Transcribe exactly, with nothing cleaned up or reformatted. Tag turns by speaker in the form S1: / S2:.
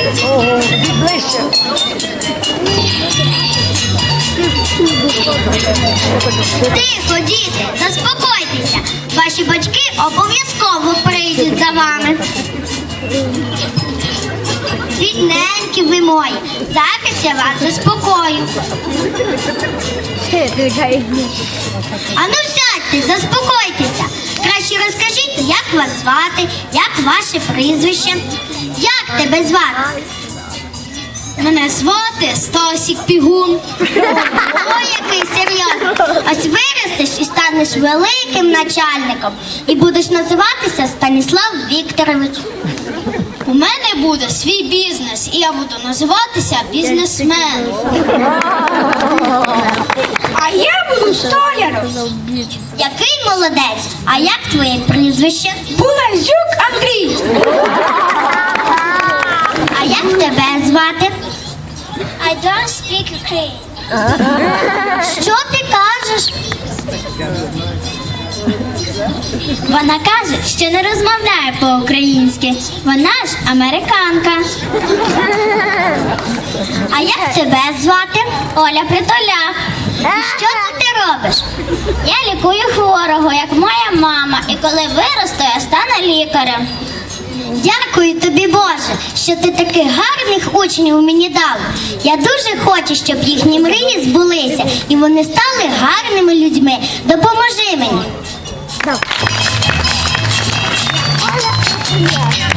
S1: Ближче.
S2: Тихо, діти, заспокойтеся. Ваші батьки обов'язково прийдуть за вами. Бідненькі ви мої, зараз я вас заспокою. Ану сядьте, заспокойтеся. Краще розкажіть, як вас звати, як ваше прізвище. Як тебе звати? Мене звати Стасік Пігун. Ой, який серйозний. Ось виростеш і станеш великим начальником. І будеш називатися Станіслав Вікторович. У мене буде свій бізнес, і я буду називатися бізнесмен. А я буду столяром. Який молодець. А як твоє прізвище?
S1: Булазюк Андрій.
S2: А як тебе звати? I don't speak Ukraine. Що ти кажеш? Вона каже, що не розмовляє по-українськи. Вона ж американка. А як тебе звати? Оля Притуляк. І що це ти робиш? Я лікую хворого, як моя мама. І коли виросту, я стану лікарем. Дякую тобі, Боже, що ти таких гарних учнів мені дав. Я дуже хочу, щоб їхні мрії збулися, і вони стали гарними людьми. Допоможи мені.